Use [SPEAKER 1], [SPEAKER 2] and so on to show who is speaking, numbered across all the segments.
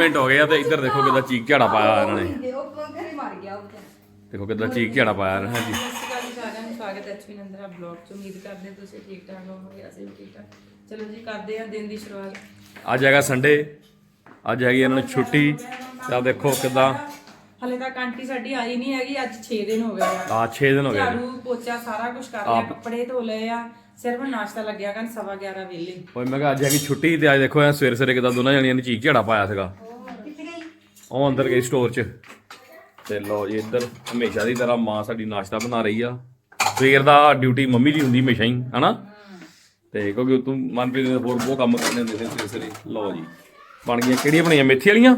[SPEAKER 1] Minute ਹੋ ਗਏ ਆ ਤੇ ਇੱਧਰ ਦੇਖੋ ਕਿੱਦਾਂ ਚੀਕ ਝਾੜਾ ਪਾਇਆ ਇਹਨਾਂ ਨੇ। ਦੇਖੋ ਕਿੱਦਾਂ ਚੀਕ ਝਾੜਾ ਪਾਇਆ ਇਹਨਾਂ ਨੇ।
[SPEAKER 2] ਸਵਾਗਤ ਹੈ ਐਚਪੀ ਨੰਦਰਾ ਬਲੌਗ ਚ। ਉਮੀਦ ਕਰਦੇ ਤੁਸੀਂ ਠੀਕ ਠਾਕ ਹੋਵੋਗੇ, ਅਸੀਂ ਵੀ ਠੀਕ ਠਾਕ। ਚਲੋ ਜੀ ਕਰਦੇ ਆ ਦਿਨ ਦੀ ਸ਼ੁਰੂਆਤ।
[SPEAKER 1] ਅੱਜ ਹੈਗਾ ਸੰਡੇ, ਅੱਜ ਹੈਗੀ ਇਹਨਾਂ ਨੂੰ ਛੁੱਟੀ। ਤਾਂ ਦੇਖੋ ਕਿੱਦਾਂ
[SPEAKER 2] ਹਲੇ ਤੱਕ ਆਂਟੀ ਸਾਡੀ ਆਈ ਨਹੀਂ ਹੈਗੀ। ਅੱਜ 6 ਦਿਨ ਹੋ ਗਏ ਆ।
[SPEAKER 1] 6 ਦਿਨ ਹੋ ਗਏ।
[SPEAKER 2] ਝਾੜੂ ਪੋਚਾ ਸਾਰਾ ਕੁਝ ਕਰ ਲਿਆ, ਕੱਪੜੇ ਧੋ ਲਏ ਆ, ਸਿਰਫ ਨਾਸ਼ਤਾ ਲੱਗਿਆ ਕਰਨ 11:15 ਵੇਲੇ।
[SPEAKER 1] ਓਏ ਮੈਂ ਕਿਹਾ ਅੱਜ ਹੈਗੀ ਛੁੱਟੀ ਤੇ ਅੱਜ ਦੇਖੋ ਐ ਸਵੇਰੇ ਸਵੇਰੇ ਕਿੱਦਾਂ ਦੋਨਾਂ ਜਣੀਆਂ ਨੇ ਚੀਕ ਝਾੜਾ ਪਾਇਆ ਸੀਗਾ। ਉਹ ਅੰਦਰ ਗਈ ਸਟੋਰ 'ਚ। ਤੇ ਲੋ ਜੀ ਇੱਧਰ ਹਮੇਸ਼ਾ ਦੀ ਤਰ੍ਹਾਂ ਮਾਂ ਸਾਡੀ ਨਾਸ਼ਤਾ ਬਣਾ ਰਹੀ ਆ। ਸਵੇਰ ਦਾ ਡਿਊਟੀ ਮੰਮੀ ਦੀ ਹੁੰਦੀ ਹਮੇਸ਼ਾ ਹੀ ਹਨਾ। ਤੇ ਕਿਉਂਕਿ ਤੂੰ ਮਨਪ੍ਰੀਤ ਨੇ ਹੋਰ ਬਹੁਤ ਕੰਮ ਕਰਨੇ ਹੁੰਦੇ ਸੀ ਸਵੇਰੇ ਸਵੇਰੇ। ਲਓ ਜੀ ਬਣ ਗਈਆਂ ਕਿਹੜੀਆਂ ਬਣੀਆਂ, ਮੇਥੀ ਵਾਲੀਆਂ।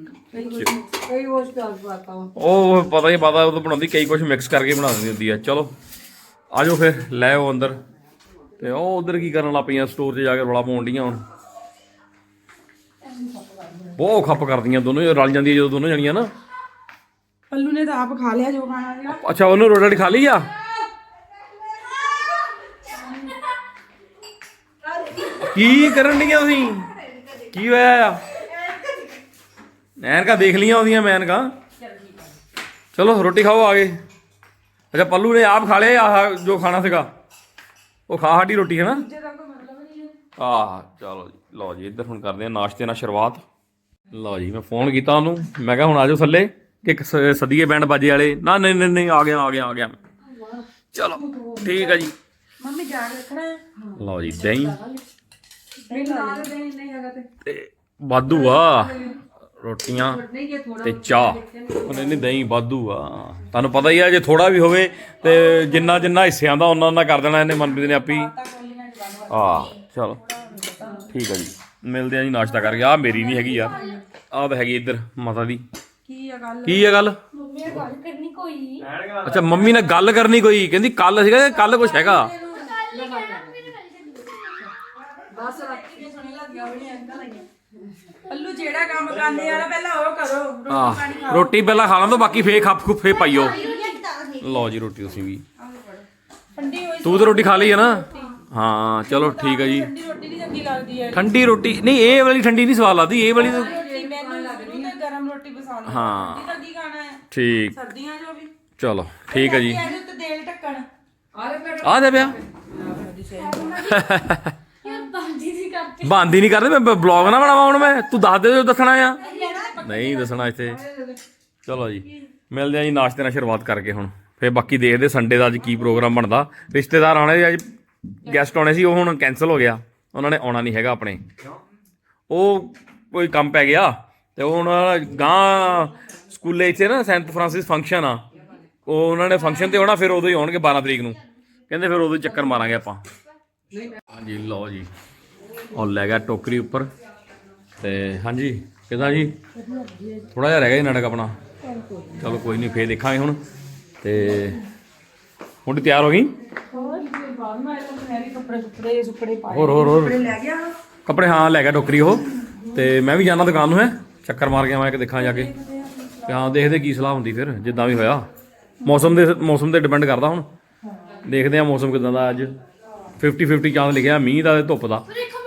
[SPEAKER 1] ਉਹ ਪਤਾ ਹੀ ਪਤਾ, ਉਹ ਤਾਂ ਬਣਾਉਂਦੀ ਕਈ ਕੁਝ ਮਿਕਸ ਕਰਕੇ ਬਣਾ ਦਿੰਦੀ ਹੁੰਦੀ ਆ। ਚਲੋ ਆਜੋ ਫਿਰ ਲੈ ਆਓ ਅੰਦਰ। ਤੇ ਉਹ ਉਧਰ ਕੀ ਕਰਨ ਲੱਗ ਪਈਆਂ, ਸਟੋਰ 'ਚ ਜਾ ਕੇ ਰੌਲਾ ਪਾਉਣ ਡੀਆਂ। ਹੁਣ ਬਹੁਤ ਖੱਪ ਕਰਦੀਆਂ ਦੋਨੋਂ, ਰਲ ਜਾਂਦੀਆਂ ਜਦੋਂ ਦੋਨੋਂ ਜਣੀਆਂ ਨਾ।
[SPEAKER 2] ਪੱਲੂ ਨੇ ਤਾਂ ਆਪ ਖਾ ਲਿਆ ਜੋ ਖਾਣਾ ਸੀਗਾ।
[SPEAKER 1] ਅੱਛਾ ਉਹਨੂੰ ਰੋਟੀ ਖਾ ਲਈ ਆ। ਕੀ ਕਰਨ ਡੀਆਂ ਤੁਸੀਂ? ਕੀ ਹੋਇਆ ਆ? ਐਨਕਾਂ ਦੇਖ ਲਈਆਂ ਉਹਦੀਆਂ ਮੈਂ ਐਨਕਾਂ। ਚਲੋ ਰੋਟੀ ਖਾਓ ਆ ਗਏ। ਅੱਛਾ ਪੱਲੂ ਨੇ ਆਪ ਖਾ ਲਿਆ ਆਹ ਜੋ ਖਾਣਾ ਸੀਗਾ, ਉਹ ਖਾ ਸਾਡੀ ਰੋਟੀ ਹੈ ਨਾ। ਆਹ ਚਲੋ ਜੀ ਲਓ ਜੀ ਇੱਧਰ ਹੁਣ ਕਰਦੇ ਆ ਨਾਸ਼ਤੇ ਨਾਲ ਸ਼ੁਰੂਆਤ। ਲਓ ਜੀ ਮੈਂ ਫੋਨ ਕੀਤਾ ਉਹਨੂੰ, ਮੈਂ ਕਿਹਾ ਹੁਣ ਆ ਜਾਓ ਥੱਲੇ ਕਿ ਸਦੀਏ ਬੈਂਡ ਬਾਜੇ ਵਾਲੇ। ਨਾ ਨਹੀਂ ਨਹੀਂ ਨਹੀਂ ਆ ਗਿਆ। ਚਲੋ ਠੀਕ ਆ ਜੀ।
[SPEAKER 2] ਮੰਮੀ ਜਾ ਕੇ ਰੱਖਣਾ ਹੈ।
[SPEAKER 1] ਲਓ ਜੀ ਦਹੀਂ
[SPEAKER 2] ਤੇ
[SPEAKER 1] ਵਾਧੂ ਆ, ਰੋਟੀਆਂ ਤੇ ਚਾਹ। ਨਹੀਂ ਦਹੀਂ ਵਾਧੂ ਆ। ਤੁਹਾਨੂੰ ਪਤਾ ਹੀ ਆ ਜੇ ਥੋੜਾ ਵੀ ਹੋਵੇ ਤੇ ਜਿੰਨਾ ਹਿੱਸਿਆਂ ਦਾ ਉਹਨਾਂ ਕਰ ਦੇਣਾ ਇਹਨੇ, ਮਨਪ੍ਰੀਤ ਨੇ ਆਪੀ। ਚਲੋ ਠੀਕ ਆ ਜੀ ਮਿਲਦੇ ਆ ਜੀ ਨਾਸ਼ਤਾ ਕਰਕੇ। ਆਹ ਮੇਰੀ ਨਹੀਂ ਹੈਗੀ ਯਾਰ, ਆਹ ਤਾਂ ਹੈਗੀ ਇੱਧਰ ਮਾਤਾ ਦੀ। ਕੀ ਆ ਗੱਲ? ਅੱਛਾ ਮੰਮੀ ਨਾਲ ਗੱਲ ਕਰਨੀ ਕੋਈ, ਕਹਿੰਦੀ ਕੱਲ ਸੀਗਾ, ਕੱਲ ਕੁਛ ਹੈਗਾ।
[SPEAKER 2] ਪੱਲੂ ਜਿਹੜਾ ਕੰਮ ਕਰਨੇ ਵਾਲਾ ਪਹਿਲਾਂ ਉਹ ਕਰੋ।
[SPEAKER 1] ਰੋਟੀ ਪਹਿਲਾਂ ਖਾ ਲਾਂ ਤੋਂ ਬਾਕੀ ਫੇਰ ਖੱਪ ਖੁੱਫੇ ਪਾਈਓ। ਲਓ ਜੀ ਰੋਟੀ ਤੁਸੀਂ ਵੀ। ਤੂੰ ਤਾਂ ਰੋਟੀ ਖਾ ਲਈ ਹੈ ਨਾ? ਹਾਂ ਚਲੋ ਠੀਕ ਹੈ ਜੀ। ਠੰਡੀ ਰੋਟੀ ਨਹੀਂ, ਇਹ ਵਾਲੀ ਠੰਡੀ ਨਹੀਂ ਸਵਾਦ ਲੱਗਦੀ, ਇਹ ਵਾਲੀ ਤਾਂ
[SPEAKER 2] ਗਰਮ ਰੋਟੀ ਪਸੰਦ।
[SPEAKER 1] ਹਾਂ
[SPEAKER 2] ਕੀ ਖਾਣਾ ਹੈ
[SPEAKER 1] ਠੀਕ।
[SPEAKER 2] ਸਰਦੀਆਂ ਜੋ ਵੀ।
[SPEAKER 1] ਚਲੋ ਠੀਕ ਹੈ ਜੀ।
[SPEAKER 2] ਤੇਲ ਢੱਕਣ
[SPEAKER 1] ਆ ਦੇ ਪਿਆ ਬੰਦ ਹੀ ਨਹੀਂ ਕਰਦੇ। ਮੈਂ ਬਲੌਗ ਨਾ ਬਣਾਵਾਂ ਹੁਣ ਮੈਂ? ਤੂੰ ਦੱਸ ਦੇ ਜੋ ਦੱਸਣਾ ਆ। ਨਹੀਂ ਦੱਸਣਾ ਇੱਥੇ। ਚਲੋ ਜੀ ਮਿਲਦੇ ਆ ਜੀ ਨਾਸ਼ਤੇ ਨਾਲ ਸ਼ੁਰੂਆਤ ਕਰਕੇ ਹੁਣ। ਫਿਰ ਬਾਕੀ ਦੇਖਦੇ ਸੰਡੇ ਦਾ ਅੱਜ ਕੀ ਪ੍ਰੋਗਰਾਮ ਬਣਦਾ। ਰਿਸ਼ਤੇਦਾਰ ਆਉਣੇ ਅੱਜ, ਗੈਸਟ ਆਉਣੇ ਸੀ, ਉਹ ਹੁਣ ਕੈਂਸਲ ਹੋ ਗਿਆ। ਉਹਨਾਂ ਨੇ ਆਉਣਾ ਨਹੀਂ ਹੈਗਾ ਆਪਣੇ, ਉਹ ਕੋਈ ਕੰਮ ਪੈ ਗਿਆ। ਤੇ ਹੁਣ ਗਾਂ ਸਕੂਲੇ ਇੱਥੇ ਨਾ ਸੈਂਟ ਫਰਾਂਸਿਸ ਫੰਕਸ਼ਨ ਆ, ਉਹ ਉਹਨਾਂ ਨੇ ਫੰਕਸ਼ਨ ਤੇ ਆਉਣਾ। ਫਿਰ ਉਦੋਂ ਹੀ ਆਉਣਗੇ 12 ਤਰੀਕ ਨੂੰ, ਕਹਿੰਦੇ ਫਿਰ ਉਦੋਂ ਚੱਕਰ ਮਾਰਾਂਗੇ ਆਪਾਂ। ਹਾਂਜੀ ਲਓ ਜੀ ਉਹ ਲੈ ਗਿਆ ਟੋਕਰੀ ਉੱਪਰ। ਤੇ ਹਾਂਜੀ ਕਿੱਦਾਂ ਜੀ? ਥੋੜਾ ਜਿਹਾ ਰਹਿ ਗਿਆ ਜੀ ਨਾਟਕ ਆਪਣਾ। ਚਲੋ ਕੋਈ ਨਹੀਂ ਫੇਰ ਦੇਖਾਂਗੇ ਹੁਣ। ਤੇ ਹੁਣ ਤਿਆਰ ਹੋ ਗਈ? ਹੋਰ ਕੱਪੜੇ ਹਾਂ ਲੈ ਗਿਆ ਟੋਕਰੀ ਉਹ। ਤੇ ਮੈਂ ਵੀ ਜਾਣਾ ਦੁਕਾਨ ਨੂੰ, ਹੈ ਚੱਕਰ ਮਾਰ ਕੇ ਆਵਾਂ ਕਿ ਦੇਖਾਂ ਜਾ ਕੇ। ਤੇ ਹਾਂ ਦੇਖਦੇ ਕੀ ਸਲਾਹ ਹੁੰਦੀ ਫਿਰ, ਜਿੱਦਾਂ ਵੀ ਹੋਇਆ। ਮੌਸਮ ਤੇ ਡਿਪੈਂਡ ਕਰਦਾ। ਹੁਣ ਦੇਖਦੇ ਆ ਮੌਸਮ ਕਿੱਦਾਂ ਦਾ। ਅੱਜ 50-50 ਚਾਂਸ ਲਿਖਿਆ, ਮੀਂਹ ਦਾ ਤੇ ਧੁੱਪ ਦਾ।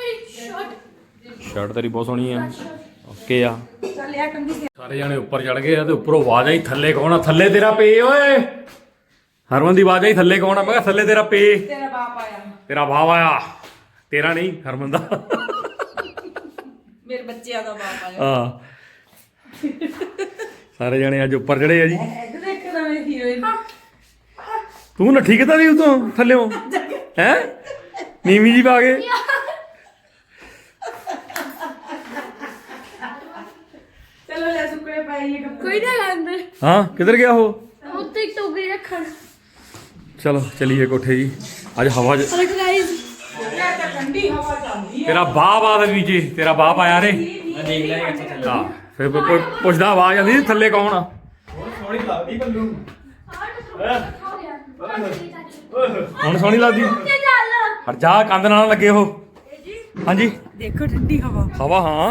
[SPEAKER 1] ਸ਼ਰਟ ਤੇਰੀ ਬਹੁਤ ਸੋਹਣੀ ਆ। ਓਕੇ ਆ। ਸਾਰੇ ਜਾਣੇ ਉੱਪਰ ਚੜ ਗਏ ਆ ਤੇ ਉੱਪਰੋਂ ਆਵਾਜ਼ ਆਈ ਥੱਲੇ ਕੌਣ ਆ? ਥੱਲੇ ਤੇਰਾ ਪੇ ਓਏ। ਹਰਮਨ ਦੀ ਆਵਾਜ਼ ਆਈ ਥੱਲੇ ਕੌਣ ਆ? ਮੈਂ ਕਿਹਾ ਥੱਲੇ ਤੇਰਾ ਪੇ।
[SPEAKER 2] ਤੇਰਾ ਬਾਪ ਆਇਆ।
[SPEAKER 1] ਤੇਰਾ ਬਾਪ ਆਇਆ। ਤੇਰਾ ਨਹੀਂ, ਹਰਮਨ ਦਾ।
[SPEAKER 2] ਮੇਰੇ ਬੱਚਿਆਂ ਦਾ ਬਾਪ ਆਇਆ।
[SPEAKER 1] ਹਾਂ ਸਾਰੇ ਜਾਣੇ ਅੱਜ ਉੱਪਰ ਚੜੇ ਆ ਜੀ। ਤੂੰ ਨੱਠੀ ਕਿੱਦਾਂ ਦੀ ਉਤੋਂ ਥੱਲਿਓ ਹੈ? ਨੀਵੀਂ ਜੀ ਪਾ ਕੇ।
[SPEAKER 2] ਚਲੋ ਲੈ ਸੁੱਕਣੇ ਪਾਈਏ ਕੱਪੜੇ।
[SPEAKER 3] ਕੋਈ ਨਾ ਅੰਦਰ
[SPEAKER 1] ਹਾਂ ਕਿੱਧਰ ਗਿਆ ਉਹ?
[SPEAKER 3] ਉੱਤੇ ਇੱਕ ਟੋਕਰੀ ਰੱਖਣ।
[SPEAKER 1] ਚਲੋ ਚਲੀਏ ਕੋਠੇ ਜੀ। ਅੱਜ ਹਵਾ
[SPEAKER 3] ਗਾਇਸ
[SPEAKER 2] ਠੰਡੀ ਹਵਾ ਚੱਲਦੀ ਹੈ।
[SPEAKER 1] ਤੇਰਾ ਬਾਪ ਆ ਦੇ ਵਿੱਚ, ਤੇਰਾ ਬਾਪ ਆਇਆ ਰੇ। ਹਾਂ ਫਿਰ ਪੁੱਛਦਾ ਆਵਾਜ਼ ਆਉਂਦੀ ਥੱਲੇ ਕੌਣ ਆ?
[SPEAKER 4] ਸੋਹਣੀ ਲੱਗਦੀ ਪੱਲੂ।
[SPEAKER 1] ਹੁਣ ਸੋਹਣੀ ਲੱਗਦੀ। ਹਟ ਜਾ ਕੰਧ ਨਾਲ ਲੱਗੇ ਉਹ। ਹਾਂਜੀ
[SPEAKER 2] ਦੇਖੋ ਠੰਡੀ ਹਵਾ।
[SPEAKER 1] ਹਵਾ ਹਾਂ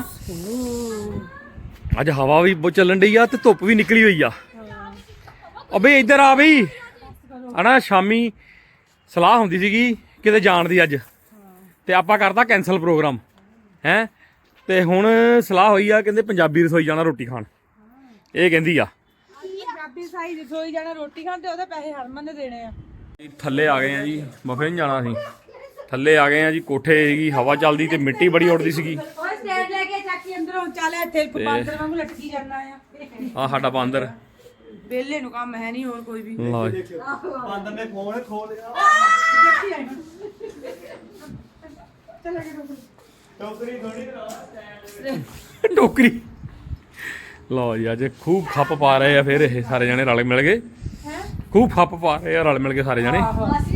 [SPEAKER 1] ਅੱਜ ਹਵਾ ਵੀ ਬਹੁਤ ਚੱਲਣ ਡਈ ਆ ਤੇ ਧੁੱਪ ਵੀ ਨਿਕਲੀ ਹੋਈ ਆ। ਅਬੇ ਇੱਧਰ ਆ ਬਈ। ਹਨਾ ਸ਼ਾਮੀ ਸਲਾਹ ਹੁੰਦੀ ਸੀਗੀ ਕਿਤੇ ਜਾਣ ਦੀ ਅੱਜ, ਤੇ ਆਪਾਂ ਕਰਦਾ ਕੈਂਸਲ ਪ੍ਰੋਗਰਾਮ ਹੈ। ਤੇ ਹੁਣ ਸਲਾਹ ਹੋਈ ਆ ਕਹਿੰਦੇ ਪੰਜਾਬੀ ਰਸੋਈ ਜਾਣਾ ਰੋਟੀ ਖਾਣ ਇਹ ਕਹਿੰਦੀ ਆ
[SPEAKER 2] ਪੰਜਾਬੀ ਸਾਈ ਰਸੋਈ ਜਾਣਾ ਰੋਟੀ ਖਾਣ ਤੇ ਉਹਦੇ ਪੈਸੇ ਹਰਮਨ ਨੇ ਦੇਣੇ ਆ
[SPEAKER 1] ਥੱਲੇ ਆ ਗਏ ਆ ਜੀ ਬਫੇ ਨਹੀਂ ਜਾਣਾ ਅਸੀਂ ਥੱਲੇ ਆ ਗਏ ਆ ਜੀ ਕੋਠੇ ਦੀ ਹਵਾ ਚੱਲਦੀ ਤੇ ਮਿੱਟੀ ਬੜੀ ਉੱਡਦੀ ਸੀਗੀ
[SPEAKER 2] ਓਏ ਸਟੈਂਡ ਲੈ ਕੇ ਚਾਚੀ ਅੰਦਰੋਂ ਚੱਲ ਇੱਥੇ ਬਾਂਦਰ ਵਾਂਗੂ ਲਟਕੀ ਜਾਣਾ ਆ
[SPEAKER 1] ਆ ਸਾਡਾ ਬਾਂਦਰ
[SPEAKER 2] ਵੇਲੇ ਨੂੰ ਕੰਮ ਹੈ ਨਹੀਂ ਹੋਰ ਕੋਈ ਵੀ
[SPEAKER 1] ਲਓ ਜੀ
[SPEAKER 4] ਬਾਂਦਰ ਨੇ ਫੋਨ ਖੋ ਲਿਆ ਟੋਕਰੀ ਥੋੜੀ
[SPEAKER 1] ਟੋਕਰੀ ਲਓ ਜੀ ਅੱਜ ਖੂਬ ਖੱਪ ਪਾ ਰਹੇ ਆ ਫਿਰ ਇਹ ਸਾਰੇ ਜਣੇ ਰਲ ਮਿਲ ਗਏ ਖੂਬ ਖੱਪ ਪਾ ਰਹੇ ਆ ਰਲ ਮਿਲ ਕੇ ਸਾਰੇ ਜਣੇ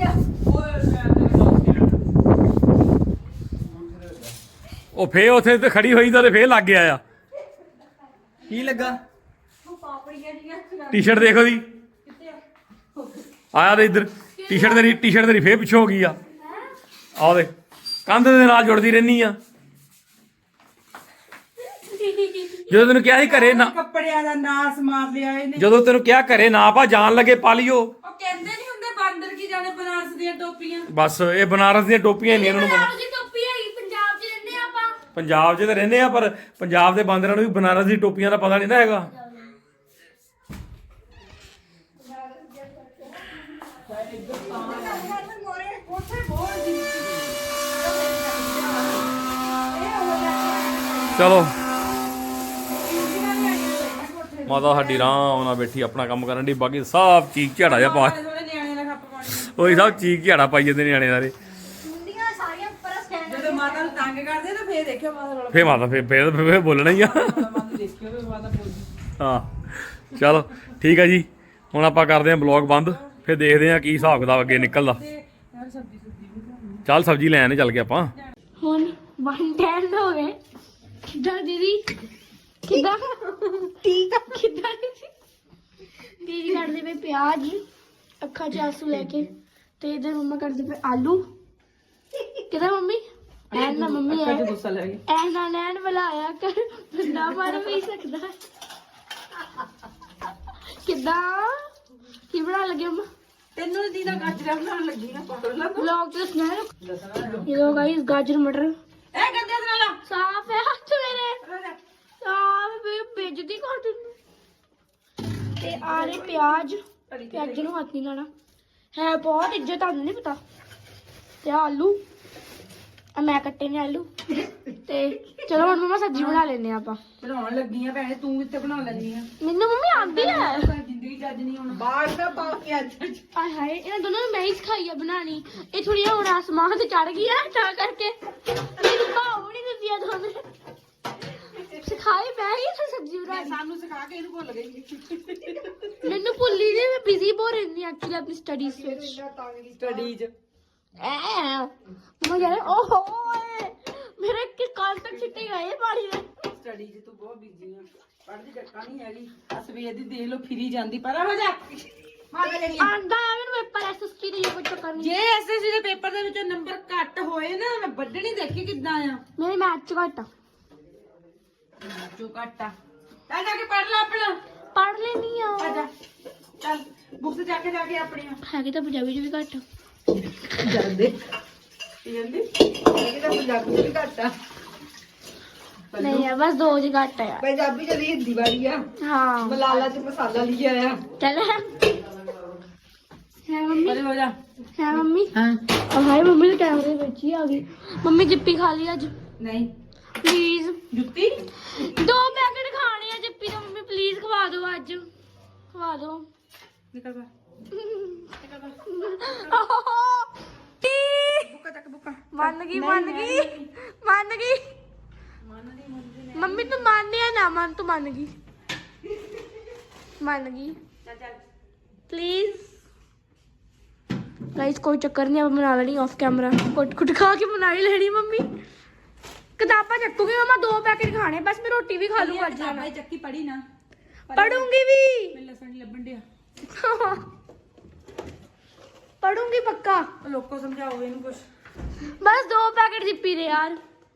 [SPEAKER 1] ਉਹ ਫੇ ਉੱਥੇ ਤੇ ਖੜੀ ਹੋਈ ਤਾਂ ਫੇਰ ਲੱਗ ਗਿਆ ਆ
[SPEAKER 4] ਕੀ ਲੱਗਾ
[SPEAKER 1] ਟੀ-ਸ਼ਰਟ ਦੇਖੋ ਦੀ ਆਇਆ ਤੇ ਇੱਧਰ ਟੀ-ਸ਼ਰਟ ਤੇਰੀ ਫੇਰ ਪਿੱਛੇ ਹੋ ਗਈ ਆ ਆਹ ਦੇ ਕੰਧ ਦੇ ਨਾਲ ਜੁੜਦੀ ਰਹਿਨੀ ਆ ਜਦੋਂ ਤੈਨੂੰ ਕਿਹਾ ਸੀ ਘਰੇ ਨਾ
[SPEAKER 2] ਕੱਪੜਿਆਂ ਦਾ ਨਾਸ ਮਾਰ ਲਿਆ ਇਹਨੇ
[SPEAKER 1] ਜਦੋਂ ਤੈਨੂੰ ਕਿਹਾ ਘਰੇ ਨਾ ਪਾ ਜਾਣ ਲੱਗੇ ਪਾ ਲਿਓ
[SPEAKER 2] ਉਹ ਕਹਿੰਦੇ ਨਹੀਂ ਹੁੰਦੇ ਬਾਂਦਰ ਕੀ ਜਾਣੇ ਬਨਾਰਸ ਦੀਆਂ ਟੋਪੀਆਂ
[SPEAKER 1] ਬਸ ਇਹ ਬਨਾਰਸ ਦੀਆਂ ਟੋਪੀਆਂ ਨਹੀਂ ਇਹਨਾਂ ਨੂੰ ਪਤਾ।
[SPEAKER 3] ਦੀ ਟੋਪੀ ਹੈਗੀ ਪੰਜਾਬ 'ਚ ਰਹਿੰਦੇ ਆ ਆਪਾਂ
[SPEAKER 1] ਪੰਜਾਬ 'ਚ ਤਾਂ ਰਹਿੰਦੇ ਆ ਪਰ ਪੰਜਾਬ ਦੇ ਬਾਂਦਰਾਂ ਨੂੰ ਵੀ ਬਨਾਰਸ ਦੀ ਟੋਪੀਆਂ ਦਾ ਪਤਾ ਨਹੀਂ ਨਾ ਹੈਗਾ ਚਲੋ ਮਾਤਾ ਸਾਡੀ ਆਰਾਮ ਨਾਲ ਬੈਠੀ ਆਪਣਾ ਕੰਮ ਕਰਨ ਦੀ ਬਾਕੀ ਸਭ ਚੀਕ ਝਾੜਾ ਜਿਹਾ ਪਾ
[SPEAKER 2] ਥੋੜੇ ਨਿਆਣੇ ਦਾ ਖੱਪ ਪਾਣੀ
[SPEAKER 1] ਉਹੀ ਸਭ ਚੀਕ ਝਾੜਾ ਪਾਈ ਜਾਂਦੇ ਨਿਆਣੇ ਸਾਰੇ
[SPEAKER 3] ਮੁੰਡੀਆਂ ਸਾਰੀਆਂ ਉੱਪਰ ਸਟੈਂਡ
[SPEAKER 2] ਜਦੋਂ ਮਾਤਾ ਨੂੰ ਤੰਗ ਕਰਦੇ ਨਾ ਫੇਰ ਦੇਖਿਓ ਮਾਤਾ ਰੋਲਾ
[SPEAKER 1] ਫੇਰ ਮਾਤਾ ਫੇਰ ਬੋਲਣਾ ਹੀ ਆ
[SPEAKER 2] ਮਾਤਾ ਦੇਖਿਓ ਵੀ ਮਾਤਾ ਬੋਲਦੀ
[SPEAKER 1] ਹਾਂ ਚਲੋ ਠੀਕ ਆ ਜੀ ਹੁਣ ਆਪਾਂ ਕਰਦੇ ਆਂ ਬਲੌਗ ਬੰਦ ਫਿਰ ਦੇਖਦੇ ਆਂ ਕੀ ਹਿਸਾਬ ਕਿਤਾਬ ਅੱਗੇ ਨਿਕਲਦਾ
[SPEAKER 2] ਯਾਰ ਸਬਜ਼ੀ ਵੀ
[SPEAKER 1] ਚੱਲ ਸਬਜ਼ੀ ਲੈਣ ਚੱਲ ਗਏ ਆਪਾਂ
[SPEAKER 3] ਹੁਣ 110 ਹੋ ਗਏ ਕਿੱਦਾਂ ਦੀਦੀ ਕਿੱਦਾਂ ਠੀਕ ਆ ਕਿੱਦਾਂ ਦੀਦੀ ਕੱਢਦੇ ਪਏ ਪਿਆਜ਼ ਅੱਖਾਂ 'ਚ ਆਂਸੂ ਲੈ ਕੇ ਤੇ ਇਧਰ ਮੰਮਾ ਕੱਢਦੇ ਪਏ ਆਲੂ ਕਿੱਦਾਂ ਮੰਮੀ ਐਨ ਨਾ ਮੰਮੀ ਐ
[SPEAKER 2] ਗੁੱਸਾ ਲੱਗ ਗਿਆ
[SPEAKER 3] ਐਨ ਨਾ ਨੈਣ ਬੁਲਾਇਆ ਕਰ ਬੰਦਾ ਮਾਰ ਵੀ ਸਕਦਾ ਹੈ। ਕਿੱਦਾਂ ਕੀ ਬਣਾ ਲੱਗੇ ਮੰਮਾ
[SPEAKER 2] ਤੈਨੂੰ ਦੀ ਦਾ ਗਾਜਰਾਂ ਬਣਾਉਣ ਲੱਗੀ ਨਾ ਪਕੜ ਲਾ
[SPEAKER 3] ਵਲੌਗ ਤੇ ਸੁਣਾ ये लो गाइस गाजर मटर
[SPEAKER 2] ਇਹ ਗੰਦੇ ਨਾਲ
[SPEAKER 3] साफ है हाथ मेरे साफ बेइज्जती कर दिंदी ते आ रहे प्याज प्याज ਨੂੰ ਹੱਥ ਨਹੀਂ ਲਾਣਾ ਹੈ ਬਹੁਤ ਇੱਜ਼ਤ ਆਉਂਦੀ ਨਹੀਂ ਪਤਾ ਤੇ ਆਲੂ ਆ ਮੈਂ ਕੱਟੇ ਨੇ ਆਲੂ ਤੇ ਚਲੋ ਹੁਣ ਮਮਾ ਸਬਜ਼ੀ ਬਣਾ ਲੈਨੇ ਆਪਾਂ
[SPEAKER 2] ਬਣਾਉਣ ਲੱਗੀ ਆ ਭੈਣੇ ਤੂੰ ਕਿੱਥੇ ਬਣਾ ਲੈਣੀ ਆ
[SPEAKER 3] ਮੈਨੂੰ ਮੰਮੀ ਆਂਦੀ ਹੈ
[SPEAKER 2] ਜ਼ਿੰਦਗੀ ਜੱਜ ਨਹੀਂ ਹੁਣ ਬਾਹਰ ਦਾ ਪਾ ਕੇ ਅੱਜ
[SPEAKER 3] ਆਏ ਹਾਏ ਇਹਨਾਂ ਦੋਨਾਂ ਨੂੰ ਮੈਂ ਹੀ ਸਿਖਾਈ ਆ ਬਣਾਣੀ ਇਹ ਥੋੜੀਆਂ ਹੁਣ ਆਸਮਾਨ ਤੇ ਚੜ ਗਈ ਆ ਤਾਂ ਕਰਕੇ ਮੈਨੂੰ ਭਾਵ ਨਹੀਂ ਦਿੰਦੀ ਆ ਦੋਨੇ ਸਿਖਾਈ ਮੈਂ ਹੀ ਤਾਂ ਸਬਜ਼ੀ ਬਣਾਣੀ
[SPEAKER 2] ਸਾਨੂੰ ਸਿਖਾ ਕੇ ਇਹਨੂੰ ਭੁੱਲ ਗਈ
[SPEAKER 3] ਮੈਨੂੰ ਭੁੱਲੀ ਨਹੀਂ ਮੈਂ ਬਿਜ਼ੀ ਬਹੁਤ ਰਹਿੰਦੀ ਐਕਚੁਅਲੀ ਆਪਣੀ ਸਟੱਡੀਜ਼ ਵਿੱਚ
[SPEAKER 2] ਸਟੱਡੀਜ਼
[SPEAKER 3] ਮੈਂ ਯਾਰ ਓਹੋ ਮੇਰੇ ਕਿ ਕਾਲ ਤੱਕ ਛਿੱਟੇ ਗਏ ਪਾਣੀ ਦੇ
[SPEAKER 2] ਸਟੱਡੀਜ਼ ਤੂੰ ਬਹੁਤ ਬਿਜ਼ੀ ਆ ਪੜ੍ਹਦੀ ਟੱਕਾ ਨਹੀਂ ਹੈਗੀ ਸਵੇਰ ਦੀ ਦੇਖ ਲੋ ਫਿਰੀ ਜਾਂਦੀ ਪਰ ਹੋ ਜਾ ਮਾਰ ਲੈਣੀ
[SPEAKER 3] ਆਂਦਾ ਆ ਮੈਨੂੰ ਪੇਪਰ ਐਸਐਸਟੀ ਦੇ ਕੋਈ ਚੱਕਰ ਨਹੀਂ
[SPEAKER 2] ਜੇ ਐਸਐਸਸੀ ਦੇ ਪੇਪਰ ਦੇ ਵਿੱਚੋਂ ਨੰਬਰ ਘੱਟ ਹੋਏ ਨਾ ਮੈਂ ਵੱਢਣੀ ਦੇਖੀ ਕਿੱਦਾਂ ਆ
[SPEAKER 3] ਮੇਰੇ ਮੈਥ ਚ ਘੱਟ ਆ
[SPEAKER 2] ਜੋ ਘੱਟ ਆ ਤਾਂ ਜਾ ਕੇ ਪੜ੍ਹ ਲੈ ਆਪਣਾ
[SPEAKER 3] ਪੜ੍ਹ ਲੈਣੀ ਆ
[SPEAKER 2] ਆ ਜਾ ਚੱਲ ਬੁੱਕਸ ਜਾ ਕੇ ਆਪਣੀਆਂ
[SPEAKER 3] ਹੈਗੀ ਤਾਂ ਪੰਜਾਬੀ ਚ ਵੀ ਘੱਟ
[SPEAKER 2] ਜਾਂਦੇ ਜਾਂਦੇ ਇਹ ਤਾਂ ਪੰਜਾਬੀ ਚ ਵੀ ਘੱਟ ਆ
[SPEAKER 3] ਨਹੀਂ ਆ ਬਸ ਦੋ ਚ ਘੱਟ ਆ ਯਾਰ
[SPEAKER 2] ਪੰਜਾਬੀ ਚ ਵੀ ਹਿੰਦੀ ਵਾਲੀ ਆ
[SPEAKER 3] ਹਾਂ
[SPEAKER 2] ਮਲਾਲਾ ਚ ਮਸਾਲਾ ਲਿਖਿਆ ਆ
[SPEAKER 3] ਚੱਲ ਹੈ ਮੰਮੀ
[SPEAKER 2] ਪਰੇ ਹੋ ਜਾ
[SPEAKER 3] ਹੈ ਮੰਮੀ
[SPEAKER 2] ਹਾਂ
[SPEAKER 3] ਹਾਏ ਮੰਮੀ ਦੇ ਕੈਮਰੇ ਵਿੱਚ ਹੀ ਆ ਗਈ ਮੰਮੀ ਜਿੱਪੀ ਖਾ ਲਈ ਅੱਜ
[SPEAKER 2] ਨਹੀਂ
[SPEAKER 3] ਪਲੀਜ਼
[SPEAKER 2] ਜੁੱਤੀ
[SPEAKER 3] 2 ਪੈਕੇਟ ਖਾਣੇ ਆ ਜਿੱਪੀ ਦਾ ਮੰਮੀ ਪਲੀਜ਼ ਖਵਾ ਦਿਓ ਅੱਜ ਖਵਾ ਦਿਓ
[SPEAKER 2] ਨਿਕਲ ਬਾ ਬੁੱਕਾ ਤੱਕ ਬੁੱਕਾ
[SPEAKER 3] ਮੰਨ ਗਈ ਮੰਮੀ ਤੂੰ ਮੰਨਿਆ ਨਾ ਮੰਨ ਤੂੰ ਮੰਨ ਗਈ
[SPEAKER 2] ਚੱਲ ਚੱਲ
[SPEAKER 3] ਪਲੀਜ਼ ਗਾਇਸ ਕੋਈ ਚੱਕਰ ਨਹੀਂ ਆਪਾਂ ਬਣਾ ਲੈਣੀ ਆਫ ਕੈਮਰਾ ਕੁੱਟ ਖਾ ਕੇ ਬਣਾ ਹੀ ਲੈਣੀ ਮੰਮੀ ਕਿਤਾਬਾਂ ਚੱਕੂਗੀ ਮਮਾ 2 ਪੈਕੇਟ ਖਾਣੇ ਬਸ ਮੈਂ ਰੋਟੀ ਵੀ ਖਾ ਲੂੰ ਅੱਜ
[SPEAKER 2] ਭਾਈ ਚੱਕੀ ਪੜੀ ਨਾ
[SPEAKER 3] ਪੜੂੰਗੀ ਵੀ
[SPEAKER 2] ਮੈਨੂੰ ਲਸਣ ਨਹੀਂ ਲੱਭਣ ਡਿਆ
[SPEAKER 3] ਪੜੂੰਗੀ ਪੱਕਾ
[SPEAKER 2] ਲੋਕੋ ਸਮਝਾਓ ਇਹਨੂੰ ਕੁਛ
[SPEAKER 3] ਬਸ 2 ਪੈਕੇਟ ਜਿੱਪੀ ਦੇ ਯਾਰ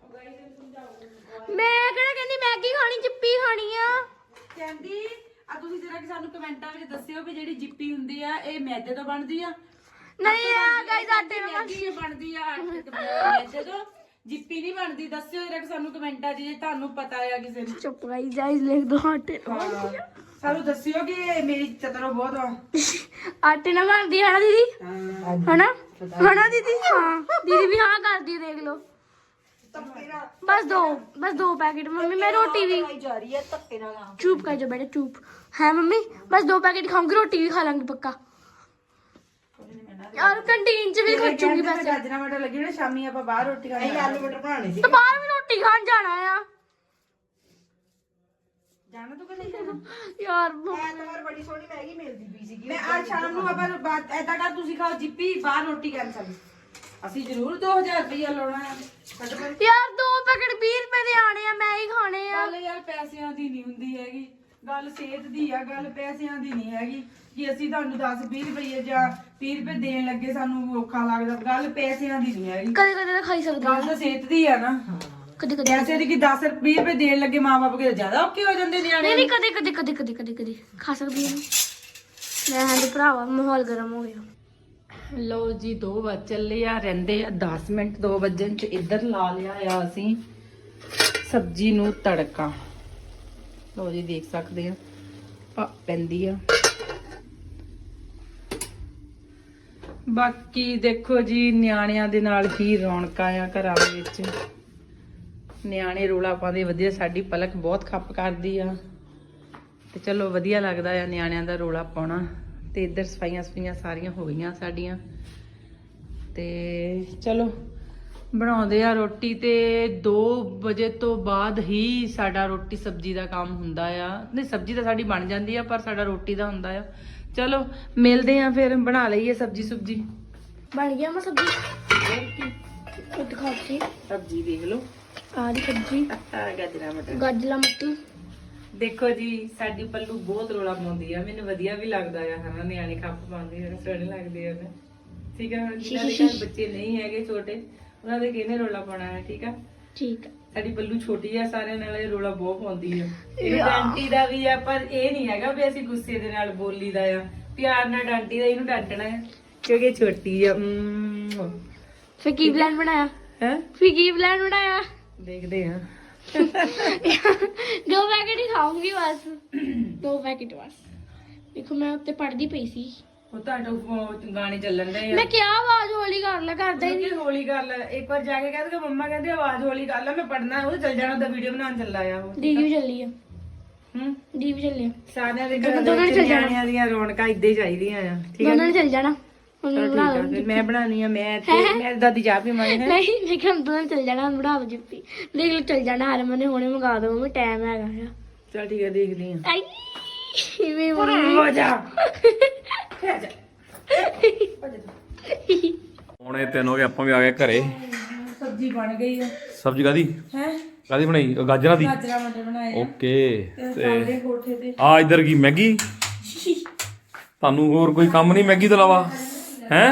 [SPEAKER 3] ਮੈਂ ਕਿਹੜਾ ਕਹਿੰਦੀ ਮੈਗੀ ਖਾਣੀ ਜਿੱਪੀ ਖਾਣੀ ਆ
[SPEAKER 2] ਕਹਿੰਦੀ ਆ ਤੁਸੀਂ ਜਰਾ ਕਿ ਸਾਨੂੰ ਕਮੈਂਟਾਂ ਵਿੱਚ ਦੱਸਿਓ ਵੀ ਜਿਹੜੀ ਜਿੱਪੀ ਹੁੰਦੀ ਆ ਇਹ ਮੈਦੇ ਤੋਂ ਬਣਦੀ ਆ
[SPEAKER 3] ਨਹੀਂ ਆ ਗਾਇਸ ਆਟੇ ਨਾਲ
[SPEAKER 2] ਮੈਗੀ ਬਣਦੀ ਆ ਆਟੇ ਤੋਂ ਮੈਦੇ ਤੋਂ ਜਿੱਪੀ ਨਹੀਂ ਬਣਦੀ, ਦੱਸਿਓ ਜਰਾ ਕਿ ਸਾਨੂੰ ਕਮੈਂਟਾਂ 'ਚ ਜੇ ਤੁਹਾਨੂੰ ਪਤਾ ਆ ਕਿਸੇ ਨੂੰ।
[SPEAKER 3] ਚੁੱਪ ਗਾਈਸ ਗਾਈਸ ਲਿਖ ਦੋ ਆਟੇ
[SPEAKER 2] ਸਾਨੂੰ ਦੱਸਿਓ ਕਿ ਮੇਰੀ ਚਤਰੋ ਬਹੁਤ ਆ।
[SPEAKER 3] ਆਟੇ ਨਾਲ ਬਣਦੀ ਹੈ ਨਾ ਦੀਦੀ? ਹਨਾ ਹਨਾ ਦੀਦੀ? ਹਾਂ ਦੀਦੀ ਵੀ ਹਾਂ ਕਰਦੀ ਹੈ, ਦੇਖ ਲਓ। बस दो पैकेट मम्मी। मैं रोटी भी चुप कर जो बेटा चुप है मम्मी। बस 2 पैकेट खाऊंगी, रोटी भी खा लांगी पक्का यार। कैंटीन च भी खर्चूंगी पैसे।
[SPEAKER 2] गाजरा मटर लगी ना शामी ਆਪਾਂ ਬਾਹਰ ਰੋਟੀ ਖਾਣੀ। ਆਲੂ ਮਟਰ ਬਣਾਣੇ ਸੀ
[SPEAKER 3] तो बाहर भी रोटी खान जाना है
[SPEAKER 2] ਜਾਣਾ ਤੂੰ ਕਿੱਥੇ ਜਾਣਾ
[SPEAKER 3] यार।
[SPEAKER 2] ਐਤਵਾਰ ਬੜੀ ਸੋਹਣੀ ਮੈਗੀ ਮਿਲਦੀ ਪਈ ਸੀਗੀ। ਮੈਂ ਅੱਜ ਸ਼ਾਮ ਨੂੰ ਆਪਾਂ ਬਾਤ ਐਦਾਂ ਕਰ, ਤੁਸੀਂ ਖਾਓ ਜਿੱਪੀ, ਬਾਹਰ ਰੋਟੀ ਕੈਂਸਲ। ਅਸੀਂ ਜ਼ਰੂਰ 2000 ਰੁਪਇਆ ਲਾਉਣਾ ਹੈ।
[SPEAKER 3] यार 2 पैकेट 20 रुपए ਦੇ ਆਣੇ ਆ, ਮੈਂ ਹੀ ਖਾਣੇ ਆ।
[SPEAKER 2] ਗੱਲ ਯਾਰ ਪੈਸਿਆਂ ਦੀ ਨਹੀਂ ਹੁੰਦੀ ਹੈਗੀ, ਗੱਲ ਸਿਹਤ ਦੀ ਆ, ਗੱਲ ਪੈਸਿਆਂ ਦੀ ਨਹੀਂ ਹੈਗੀ ਕਿ ਅਸੀਂ ਤੁਹਾਨੂੰ 10-20 ਰੁਪਏ ਜਾਂ 30 ਰੁਪਏ ਦੇਣ ਲੱਗੇ ਸਾਨੂੰ ਔਖਾ ਲੱਗਦਾ। ਗੱਲ ਪੈਸਿਆਂ ਦੀ ਨਹੀਂ ਹੈਗੀ,
[SPEAKER 3] ਕਦੇ ਕਦੇ ਤਾਂ ਖਾਈ ਸਕਦੇ
[SPEAKER 2] ਗੱਲ ਤਾਂ ਸਿਹਤ ਦੀ ਆ ਨਾ।
[SPEAKER 3] ਕਦੇ ਕਦੇ
[SPEAKER 2] ਪੈਸੇ ਦੀ ਕਿ 10-20 ਰੁਪਏ ਦੇਣ ਲੱਗੇ ਮਾਂ-ਬਾਪ ਕੇ ਜ਼ਿਆਦਾ ਔਖੇ ਹੋ ਜਾਂਦੇ ਨਿਆਣੇ।
[SPEAKER 3] ਨਹੀਂ ਕਦੇ ਕਦੇ ਕਦੇ ਕਦੇ ਕਦੇ ਕਦੇ ਖਾ ਸਕਦੀ ਹਾਂ ਮੈਂ। ਹਾਂ ਤੇ ਭਰਾਵਾ ਮਾਹੌਲ ਗਰਮ ਹੋ ਗਿਆ।
[SPEAKER 2] ਲੋ ਜੀ 2 ਵਜ ਚੱਲੇ ਆ, ਰਹਿੰਦੇ ਆ 10 ਮਿੰਟ 2 ਵਜਣ ਚ। ਇੱਧਰ ਲਾ ਲਿਆ ਆ ਅਸੀਂ ਸਬਜ਼ੀ ਨੂੰ ਤੜਕਾ। ਲੋ ਜੀ ਦੇਖ ਸਕਦੇ ਆ ਪੈਂਦੀ ਆ। ਬਾਕੀ ਦੇਖੋ ਜੀ ਨਿਆਣਿਆਂ ਦੇ ਨਾਲ ਹੀ ਰੌਣਕਾਂ ਆ ਘਰਾਂ ਦੇ ਵਿੱਚ। ਨਿਆਣੇ ਰੋਲਾ ਪਾਉਂਦੇ ਵਧੀਆ, ਸਾਡੀ ਪਲਕ ਬਹੁਤ ਖੱਪ ਕਰਦੀ ਆ ਤੇ ਚਲੋ ਵਧੀਆ ਲੱਗਦਾ ਆ ਨਿਆਣਿਆਂ ਦਾ ਰੋਲਾ ਪਾਉਣਾ। ਤੇ ਇੱਧਰ ਸਫਾਈਆਂ ਸਾਰੀਆਂ ਹੋ ਗਈਆਂ ਸਾਡੀਆਂ ਤੇ ਚਲੋ ਬਣਾਉਂਦੇ ਆ ਰੋਟੀ। ਤੇ 2 ਵਜੇ ਤੋਂ ਬਾਅਦ ਹੀ ਸਾਡਾ ਰੋਟੀ ਸਬਜ਼ੀ ਦਾ ਕੰਮ ਹੁੰਦਾ ਆ। ਨਹੀਂ ਸਬਜ਼ੀ ਤਾਂ ਸਾਡੀ ਬਣ ਜਾਂਦੀ ਆ, ਪਰ ਸਾਡਾ ਰੋਟੀ ਦਾ ਹੁੰਦਾ ਆ। ਚਲੋ ਮਿਲਦੇ ਆ ਫਿਰ, ਬਣਾ ਲਈਏ ਸਬਜ਼ੀ।
[SPEAKER 3] ਬਣ ਗਿਆ ਮੈਂ ਸਬਜ਼ੀ ਦਿਖਾਤੀ।
[SPEAKER 2] ਸਬਜ਼ੀ ਦੇਖ ਲਓ,
[SPEAKER 3] ਆ ਦੀ ਸਬਜ਼ੀ
[SPEAKER 2] ਗਾਜਰਾਂ ਮਟਰ।
[SPEAKER 3] ਗਾਜਲਾ ਮੱਟੀ।
[SPEAKER 2] ਦੇਖੋ ਜੀ ਸਾਡੀ ਪੱਲੂ ਬਹੁਤ ਰੋਲਾ ਪਾਉਂਦੀ ਆ, ਮੈਨੂੰ ਵਧੀਆ ਵੀ ਲੱਗਦਾ ਆ ਹਨਾ। ਨਿਆਣੇ ਖੱਪ ਪਾਉਂਦੇ ਆ, ਸੋਹਣੇ ਲੱਗਦੇ ਆ ਨਾ। ਠੀਕ ਆ, ਜਿਹਨਾਂ ਦੇ ਘਰ ਬੱਚੇ ਨਹੀਂ ਹੈਗੇ ਛੋਟੇ, ਉਹਨਾਂ ਦੇ ਕਿਹਨੇ ਰੋਲਾ ਪਾਉਣਾ ਹੈ। ਠੀਕ ਆ
[SPEAKER 3] ਠੀਕ ਆ।
[SPEAKER 2] ਸਾਡੀ ਪੱਲੂ ਛੋਟੀ ਆ, ਸਾਰਿਆਂ ਨਾਲ ਇਹ ਰੋਲਾ ਬਹੁਤ ਪਾਉਂਦੀ ਆ। ਇਹ ਡਾਂਟੀ ਦਾ ਵੀ ਆ, ਪਰ ਇਹ ਨਹੀਂ ਹੈਗਾ ਵੀ ਅਸੀਂ ਗੁੱਸੇ ਦੇ ਨਾਲ ਬੋਲੀਦਾ ਆ। ਪਿਆਰ ਨਾਲ ਡਾਂਟੀ ਦਾ, ਇਹਨੂੰ ਡਾਂਟਣਾ ਹੈ ਕਿਉਂਕਿ ਛੋਟੀ ਆ।
[SPEAKER 3] ਫਿਰ ਕੀ ਪਲਾਨ ਬਣਾਇਆ?
[SPEAKER 2] ਹੈ
[SPEAKER 3] ਫਿਰ ਕੀ ਪਲਾਨ ਬਣਾਇਆ?
[SPEAKER 2] ਦੇਖਦੇ ਆ।
[SPEAKER 3] 2 पैकेट ही खाऊंगी बस। 2 पैकेट बस। देखो मैं उत्ते पढ़दी पई सी।
[SPEAKER 2] ਉਹ ਤੁਹਾਡੇ ਗਾਣੇ ਚੱਲਣ ਦੇ ਆ।
[SPEAKER 3] मैं क्या आवाज हौली कर ला, करदा ही नहीं।
[SPEAKER 2] ਹੌਲੀ ਕਰ ਲੈ ਇੱਕ ਵਾਰ ਜਾ ਕੇ ਕਹਿ ਦੇ ਮੰਮਾ ਕਹਿੰਦੇ ਆਵਾਜ਼ ਹੌਲੀ ਕਰ ਲੈ, ਮੈਂ ਪੜਨਾ। ਉਹ ਚੱਲ ਜਾਣਾ ਤਾਂ ਵੀਡੀਓ ਬਣਾਉਣ ਚੱਲਾ ਆ ਉਹ।
[SPEAKER 3] दीदी भी चली है। दीदी भी चली है।
[SPEAKER 2] ਸਾਰਿਆਂ ਦੇ ਘਰ ਦੇ ਨਿਆਣਿਆਂ ਦੀਆਂ ਰੌਣਕਾਂ ਇੱਦਾਂ ਹੀ ਚਾਹੀਦੀਆਂ ਆ। ਠੀਕ
[SPEAKER 3] दोनों ने चल जाना।
[SPEAKER 2] ਚਲੋ ਠੀਕ ਆ, ਫਿਰ ਮੈਂ ਬਣਾਉਣੀ ਆ। ਮੈਂ ਦਾਦੀ ਚਾਹ ਪੀਵਾਂਗੇ।
[SPEAKER 3] नहीं मैं क्या दोनों ने चल जाना, बड़ा जिप्पी देख लो चल जाना। हर मैंने हुणे मंगा दो, मैं टाइम हैगा है।
[SPEAKER 2] ਚਲ ਠੀਕ ਆ, ਦੇਖਦੀ ਆ।
[SPEAKER 3] आई वे मम्मी
[SPEAKER 2] ਹੋ ਜਾ
[SPEAKER 1] ਹੁਣੇ 3 ਹੋ ਗਏ, ਆਪਾਂ ਵੀ ਆ ਗਏ ਘਰੇ।
[SPEAKER 2] ਸਬਜ਼ੀ ਬਣ ਗਈ ਆ।
[SPEAKER 1] ਸਬਜ਼ੀ ਕਾਦੀ
[SPEAKER 2] ਹੈ
[SPEAKER 1] ਬਣਾਈ? ਗਾਜਰਾਂ ਦੀ।
[SPEAKER 2] ਗਾਜਰਾਂ ਮਟਰ ਬਣਾਏ ਆ
[SPEAKER 1] ਓਕੇ।
[SPEAKER 2] ਤੇ ਕੋਠੇ ਤੇ
[SPEAKER 1] ਆ ਇੱਧਰ ਕੀ ਮੈਗੀ? ਤੁਹਾਨੂੰ ਹੋਰ ਕੋਈ ਕੰਮ ਨਹੀਂ ਮੈਗੀ ਤੋਂ ਇਲਾਵਾ? ਹੈ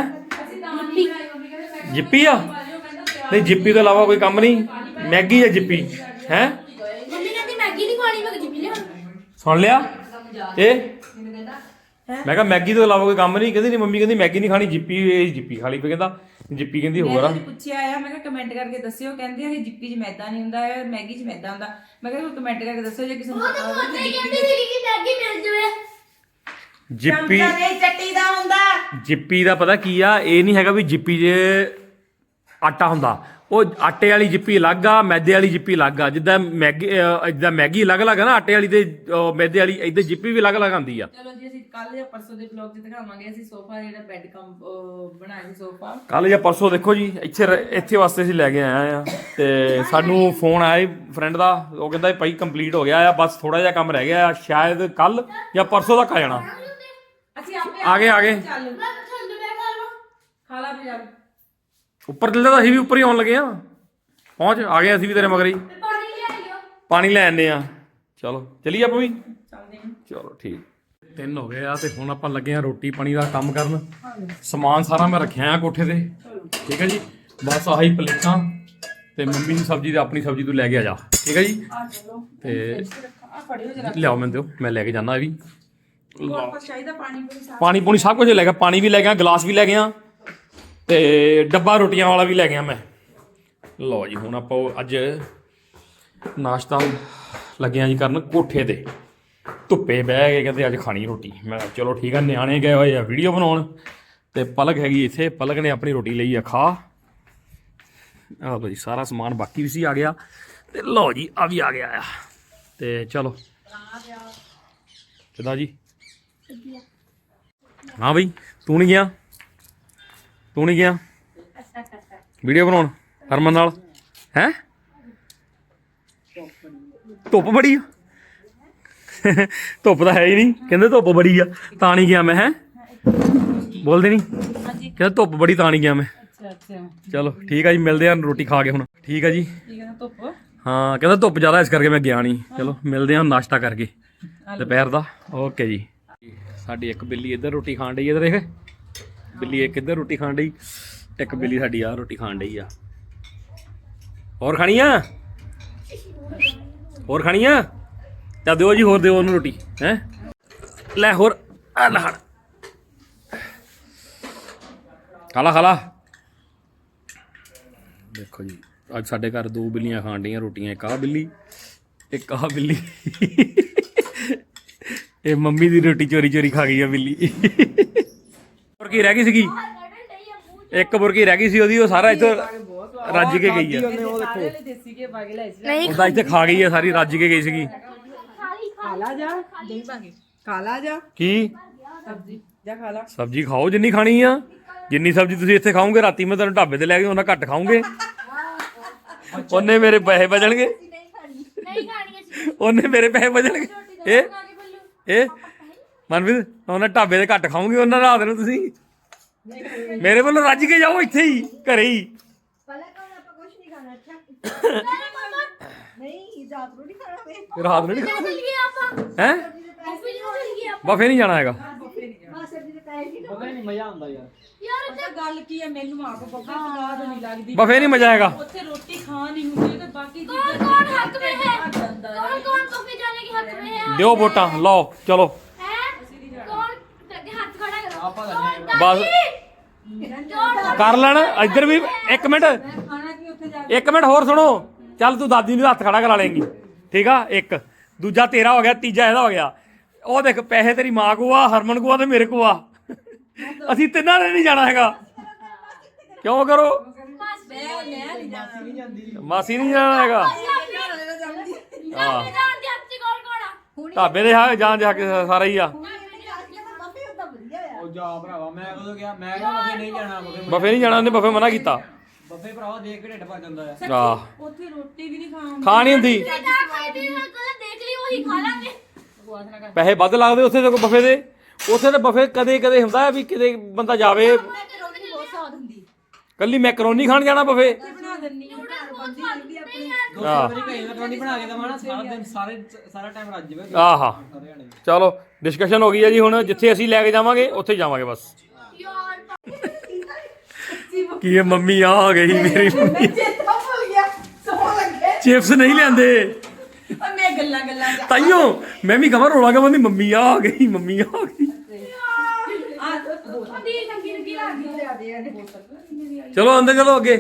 [SPEAKER 1] ਜਿੱਪੀ ਆ? ਨਹੀਂ ਜਿੱਪੀ ਤੋਂ ਇਲਾਵਾ ਕੋਈ ਕੰਮ ਨਹੀਂ? ਮੈਗੀ ਜਾਂ ਜਿੱਪੀ ਹੈ?
[SPEAKER 3] मम्मी कहती मैगी नहीं खानी, मैं जिप्पी ले।
[SPEAKER 1] ਸੁਣ ਲਿਆ ਇਹ? ਮੈਂ ਕਿਹਾ ਮੈਗੀ ਤੋਂ ਇਲਾਵਾ ਕੋਈ ਕੰਮ ਨਹੀਂ। ਕਹਿੰਦੀ ਨਹੀਂ ਮੰਮੀ, ਕਹਿੰਦੀ ਮੈਗੀ ਨਹੀਂ ਖਾਣੀ, ਜਿੱਪੀ ਇਹ ਜਿੱਪੀ ਖਾ ਲਈ। ਫਿਰ ਕਹਿੰਦਾ ਜਿੱਪੀ ਕਹਿੰਦੀ ਹੋਰ ਆ।
[SPEAKER 2] ਮੈਂ ਪੁੱਛਿਆ ਆ, ਮੈਂ ਕਿਹਾ ਕਮੈਂਟ ਕਰਕੇ ਦੱਸਿਓ। ਕਹਿੰਦੇ ਆ ਜਿੱਪੀ 'ਚ ਮੈਦਾ ਨਹੀਂ ਹੁੰਦਾ ਹੈ, ਮੈਗੀ 'ਚ ਮੈਦਾ ਹੁੰਦਾ। ਮੈਂ ਕਿਹਾ ਕਮੈਂਟ ਕਰਕੇ ਦੱਸਿਓ ਜੇ ਕਿਸੇ ਨੂੰ ਪਤਾ ਹੋਵੇ ਕਿ
[SPEAKER 3] कहती थी कि मैगी मिल जाए।
[SPEAKER 1] ਜਿੱਪੀ
[SPEAKER 2] ਨਹੀਂ ਚੱਟੀ ਦਾ ਹੁੰਦਾ।
[SPEAKER 1] ਜਿੱਪੀ ਦਾ ਪਤਾ ਕੀ ਆ? ਇਹ ਨਹੀਂ ਹੈਗਾ ਵੀ ਜਿੱਪੀ 'ਚ ਆਟਾ ਹੁੰਦਾ। ਉਹ ਆਟੇ ਵਾਲੀ ਜਿੱਪੀ ਅਲੱਗ ਆ, ਮੈਦੇ ਵਾਲੀ ਜਿੱਪੀ ਅਲੱਗ ਆ। ਜਿੱਦਾਂ ਮੈਗੀ ਅਲੱਗ-ਅਲੱਗ ਆ ਨਾ, ਆਟੇ ਵਾਲੀ ਤੇ ਮੈਦੇ ਵਾਲੀ, ਇਦਾਂ ਜਿੱਪੀ ਵੀ ਅਲੱਗ-ਅਲੱਗ ਆਉਂਦੀ ਆ।
[SPEAKER 2] ਚਲੋ ਜੀ ਅਸੀਂ ਕੱਲ ਜਾਂ ਪਰਸੋਂ ਦੇ ਵਲੌਗ 'ਚ ਦਿਖਾਵਾਂਗੇ ਅਸੀਂ ਸੋਫਾ ਜਿਹੜਾ ਬੈੱਡ ਕੰਮ ਬਣਾਇਆ ਸੀ ਸੋਫਾ।
[SPEAKER 1] ਕੱਲ ਜਾਂ ਪਰਸੋਂ ਦੇਖੋ ਜੀ, ਇੱਥੇ ਵਾਸਤੇ ਅਸੀਂ ਲੈ ਕੇ ਆਏ ਆ। ਤੇ ਸਾਨੂੰ ਫੋਨ ਆਇਆ ਫਰੈਂਡ ਦਾ, ਉਹ ਕਹਿੰਦਾ ਭਾਈ ਕੰਪਲੀਟ ਹੋ ਗਿਆ ਆ, ਬਸ ਥੋੜਾ ਜਿਹਾ ਕੰਮ ਰਹਿ ਗਿਆ ਆ, ਸ਼ਾਇਦ ਕੱਲ ਜਾਂ ਪਰਸੋਂ ਤੱਕ ਆ ਜਾਣਾ।
[SPEAKER 2] ਅਸੀਂ ਆਪੇ
[SPEAKER 1] ਆ ਗਏ
[SPEAKER 2] ਚੱਲ ਖਾ ਲਾ ਵੀ ਚੱਲ।
[SPEAKER 1] ਉੱਪਰ ਚੱਲਦਾ ਤਾਂ ਅਸੀਂ ਵੀ ਉੱਪਰ ਹੀ ਆਉਣ ਲੱਗੇ ਆ। ਪਹੁੰਚ ਆ ਗਏ ਅਸੀਂ ਵੀ ਤੇਰੇ ਮਗਰ ਹੀ। ਪਾਣੀ ਲੈ ਆਨੇ ਆ। ਚਲੋ ਚਲੀਏ ਆਪਾਂ ਵੀ।
[SPEAKER 2] ਚੱਲਦੇ ਹਾਂ।
[SPEAKER 1] ਚਲੋ ਠੀਕ। 3 ਹੋ ਗਏ ਆ ਤੇ ਹੁਣ ਆਪਾਂ ਲੱਗੇ ਆ ਰੋਟੀ ਪਾਣੀ ਦਾ ਕੰਮ ਕਰਨ। ਸਮਾਨ ਸਾਰਾ ਮੈਂ ਰੱਖਿਆ ਆ ਕੋਠੇ ਤੇ। ਠੀਕ ਹੈ ਜੀ, ਬਸ ਆਹੀ ਪਲੇਟਾਂ ਤੇ ਮੰਮੀ ਦੀ ਸਬਜ਼ੀ ਤੇ ਆਪਣੀ ਸਬਜ਼ੀ ਤੂੰ ਲੈ ਕੇ ਆ ਜਾ। ਠੀਕ ਹੈ ਜੀ, ਤੇ ਲਿਆਓ ਮੈਨੂੰ ਦਿਓ, ਮੈਂ ਲੈ ਕੇ ਜਾਣਾ। ਇਹ ਵੀ
[SPEAKER 2] ਚਾਹੀਦਾ
[SPEAKER 1] ਪਾਣੀ ਪੂਣੀ ਸਭ ਕੁਝ ਲੈ ਗਿਆ। ਪਾਣੀ ਵੀ ਲੈ ਗਿਆ, ਗਲਾਸ ਵੀ ਲੈ ਗਿਆ ਤੇ ਡੱਬਾ ਰੋਟੀਆਂ ਵਾਲਾ ਵੀ ਲੈ ਗਿਆ ਮੈਂ। ਲਓ ਜੀ ਹੁਣ ਆਪਾਂ ਅੱਜ ਨਾਸ਼ਤਾ ਲੱਗਿਆ ਜੀ ਕਰਨ ਕੋਠੇ ਤੇ ਧੁੱਪੇ ਬਹਿ ਕੇ ਕਹਿੰਦੇ ਅੱਜ ਖਾਣੀ ਰੋਟੀ। ਮੈਂ ਕਿਹਾ ਚਲੋ ਠੀਕ ਆ, ਨਿਆਣੇ ਗਏ ਹੋਏ ਆ ਵੀਡੀਓ ਬਣਾਉਣ ਤੇ ਪਲਕ ਹੈਗੀ ਇੱਥੇ, ਪਲਕ ਨੇ ਆਪਣੀ ਰੋਟੀ ਲਈ ਆ ਖਾ। ਆਹ ਲਓ ਜੀ ਸਾਰਾ ਸਮਾਨ ਬਾਕੀ ਵੀ ਸੀ ਆ ਗਿਆ ਤੇ ਲਓ ਜੀ ਆ ਵੀ ਆ ਗਿਆ ਆ ਤੇ ਚਲੋ ਕਿੱਦਾਂ ਜੀ। ਹਾਂ ਬਈ ਤੂੰ ਨਹੀਂ ਗਿਆ, ਤੂੰ ਨਹੀਂ ਗਿਆ ਵੀਡੀਓ ਬਣਾਉਣ ਹਰਮਨ ਨਾਲ ਹੈ? ਧੁੱਪ ਬੜੀ ਆ ਧੁੱਪ ਤਾਂ ਹੈ ਹੀ ਨਹੀਂ, ਕਹਿੰਦੇ ਧੁੱਪ ਬੜੀ ਆ ਤਾਂ ਨਹੀਂ ਗਿਆ ਮੈਂ। ਹੈ ਬੋਲਦੇ ਨਹੀਂ, ਕਹਿੰਦਾ ਧੁੱਪ ਬੜੀ ਤਾਂ ਨਹੀਂ ਗਿਆ ਮੈਂ। ਚਲੋ ਠੀਕ ਆ ਜੀ, ਮਿਲਦੇ ਆ ਰੋਟੀ ਖਾ ਕੇ ਹੁਣ। ਠੀਕ ਆ ਜੀ, ਹਾਂ ਕਹਿੰਦਾ ਧੁੱਪ ਜ਼ਿਆਦਾ ਇਸ ਕਰਕੇ ਮੈਂ ਗਿਆ ਨਹੀਂ। ਚਲੋ ਮਿਲਦੇ ਆ ਨਾਸ਼ਤਾ ਕਰਕੇ ਦੁਪਹਿਰ ਦਾ। ਓਕੇ ਜੀ। ਸਾਡੀ ਇੱਕ ਬਿੱਲੀ ਇੱਧਰ ਰੋਟੀ ਖਾਣ ਡਈ, ਇੱਧਰ ਦੇਖ ਬਿੱਲੀ ਇੱਕ ਇੱਧਰ ਰੋਟੀ ਖਾਣ ਡਈ, ਇੱਕ ਬਿੱਲੀ ਸਾਡੀ ਆ ਰੋਟੀ ਖਾਣ ਡਈ ਆ। ਹੋਰ ਖਾਣੀ ਆ? ਹੋਰ ਖਾਣੀ ਆ ਤਾਂ ਦਿਓ ਜੀ, ਹੋਰ ਦਿਓ ਉਹਨੂੰ ਰੋਟੀ। ਹੈ ਲੈ ਹੋਰ ਆ ਲੈ ਖਾਲਾ ਖਾਲਾ। ਦੇਖੋ ਜੀ ਅੱਜ ਸਾਡੇ ਘਰ 2 ਬਿੱਲੀਆਂ ਖਾਣ ਡਈਆਂ ਰੋਟੀਆਂ, ਇੱਕ ਆਹ ਬਿੱਲੀ ਇੱਕ ਆਹ ਬਿੱਲੀ। ਇਹ ਮੰਮੀ ਦੀ ਰੋਟੀ ਚੋਰੀ ਚੋਰੀ ਖਾ ਗਈ ਆ ਬਿੱਲੀ। ਬੁਰਕੀ ਰਹਿ ਗਈ ਸੀਗੀ, ਇੱਕ ਬੁਰਕੀ ਰਹਿ ਗਈ ਸੀ ਉਹਦੀ, ਉਹ ਸਾਰਾ ਇੱਥੇ ਰੱਜ ਕੇ ਗਈ ਆ। ਉਹਦਾ ਇੱਥੇ ਖਾ ਗਈ ਆ ਸਾਰੀ, ਰੱਜ ਕੇ ਗਈ ਸੀਗੀ। ਕੀ ਸਬਜ਼ੀ ਖਾਓ ਜਿੰਨੀ ਖਾਣੀ ਆ, ਜਿੰਨੀ ਸਬਜ਼ੀ ਤੁਸੀਂ ਇੱਥੇ ਖਾਓਗੇ ਰਾਤੀ ਮੈਂ ਤੁਹਾਨੂੰ ਢਾਬੇ ਤੇ ਲੈ ਕੇ ਉਹਨਾਂ ਘੱਟ ਖਾਓਗੇ। ਉਹਨੇ ਮੇਰੇ ਪੈਸੇ ਬਚਣਗੇ, ਉਹਨੇ ਮੇਰੇ ਪੈਸੇ ਬਚਣਗੇ। ਇਹ ਮਨਵੀਰ ਉਹਨਾਂ ਢਾਬੇ ਤੇ ਘੱਟ ਖਾਓਗੇ ਉਹਨਾਂ ਰਾਤ ਨੂੰ। ਤੁਸੀਂ ਮੇਰੇ ਵੱਲੋਂ ਰੱਜ ਕੇ ਜਾਓ ਇੱਥੇ ਹੀ ਘਰੇ ਹੀ। ਰਾਤ ਨੂੰ ਨਹੀਂ ਖਾਣਾ ਹੈ? ਬਫੇ ਨਹੀਂ ਜਾਣਾ ਹੈਗਾ।
[SPEAKER 4] ਮਜ਼ਾ ਆਉਂਦਾ ਯਾਰ
[SPEAKER 2] ਗੱਲ ਕੀ ਹੈ, ਮੈਨੂੰ ਆਪ ਸਵਾਦ ਨਹੀਂ ਲੱਗਦੀ।
[SPEAKER 1] ਬਫੇ ਨਹੀਂ ਮਜ਼ਾ ਆਏਗਾ
[SPEAKER 2] ਉੱਥੇ ਰੋਟੀ ਖਾਣ ਨਹੀਂ ਹੁੰਦੀ ਤੇ ਬਾਕੀ
[SPEAKER 3] कौन हक में है? कौन बफे जाने के हक में है?
[SPEAKER 1] ਦਿਓ ਵੋਟਾਂ ਲਓ ਚਲੋ
[SPEAKER 3] कौन हाथ खड़ा करो?
[SPEAKER 1] ਬਸ ਕਰ ਲੈਣ। ਇੱਧਰ ਵੀ ਇੱਕ ਮਿੰਟ, ਇੱਕ ਮਿੰਟ ਹੋਰ ਸੁਣੋ। ਚੱਲ ਤੂੰ ਦਾਦੀ ਨੂੰ ਹੱਥ ਖੜਾ ਕਰਾ ਲੇਂਗੀ, ਠੀਕ ਆ। ਇੱਕ ਦੂਜਾ ਤੇਰਾ ਹੋ ਗਿਆ, ਤੀਜਾ ਇਹਦਾ ਹੋ ਗਿਆ। ਉਹ ਦੇਖ ਪੈਸੇ ਤੇਰੀ ਮਾਂ ਕੋ ਆ, ਹਰਮਨ ਕੋ ਆ ਤੇ ਮੇਰੇ ਕੋ ਆ। ਅਸੀਂ ਤਿੰਨਾਂ ਨੇ ਨਹੀਂ ਜਾਣਾ ਹੈਗਾ। ਕਿਉਂ ਕਰੋ? ਮਾਸੀ ਨਹੀਂ ਜਾਣਾ ਹੈਗਾ। ਢਾਬੇ ਦੇ ਹਾਂ ਜਾਣ ਜਾ ਕੇ ਸਾਰਾ ਹੀ ਆ।
[SPEAKER 4] ਉਹ ਜਾ ਭਰਾਵਾ, ਮੈਂ ਕਦੋਂ ਗਿਆ? ਮੈਂ ਕਿਹਾ ਬਫੇ ਨਹੀਂ ਜਾਣਾ,
[SPEAKER 1] ਬਫੇ ਨਹੀਂ ਜਾਣਾ, ਉਹਨੇ ਬਫੇ ਮਨਾ ਕੀਤਾ।
[SPEAKER 4] ਬਫੇ ਭਰਾਵਾ ਦੇਖ ਕੇ ਢਿੱਡ ਭਰ ਜਾਂਦਾ ਆ।
[SPEAKER 1] ਆਹ
[SPEAKER 2] ਉੱਥੇ ਰੋਟੀ ਵੀ ਨਹੀਂ
[SPEAKER 1] ਖਾਣੀ ਹੁੰਦੀ,
[SPEAKER 3] देख ली वही खा लेंगे।
[SPEAKER 1] ਪੈਸੇ ਵੱਧ ਲੱਗਦੇ ਉੱਥੇ ਤੇ ਬਫੇ ਦੇ। ਉੱਥੇ ਤੇ ਬਫੇ ਕਦੇ ਕਦੇ ਹੁੰਦਾ ਵੀ ਕਿਤੇ ਬੰਦਾ ਜਾਵੇ ਕੱਲੀ ਮੈਕਰੋਨੀ ਖਾਣ ਜਾਣਾ ਬਫੇ।
[SPEAKER 4] ਮੈਕਰੋਨੀ ਬਣਾ ਕੇ ਦਵਾਂ ਨਾ ਸਾਰਾ ਦਿਨ, ਸਾਰਾ ਟਾਈਮ ਰੱਜ ਜਾਵੇ
[SPEAKER 1] ਆਹਾ ਚਲੋ ਡਿਸਕਸ਼ਨ ਹੋ ਗਈ ਹੈ ਜੀ। ਹੁਣ ਜਿੱਥੇ ਅਸੀਂ ਲੈ ਕੇ ਜਾਵਾਂਗੇ ਉੱਥੇ ਜਾਵਾਂਗੇ ਬਸ। ਕੀ ਇਹ ਮੰਮੀ ਆ ਗਈ ਮੇਰੀ ਮੰਮੀ। ਚਿਪਸ ਨਹੀਂ ਲਿਆਂਦੇ
[SPEAKER 2] ਮੈਂ ਗੱਲਾਂ
[SPEAKER 1] ਤਾਈਓ ਮੈਂ ਵੀ ਕਮਰ ਰੋਲਾ ਕੇ ਮੰਮੀ ਆ ਗਈ, ਮੰਮੀ ਆ ਗਈ। ਚਲੋ ਅੰਦਰ ਚਲੋ ਅੱਗੇ।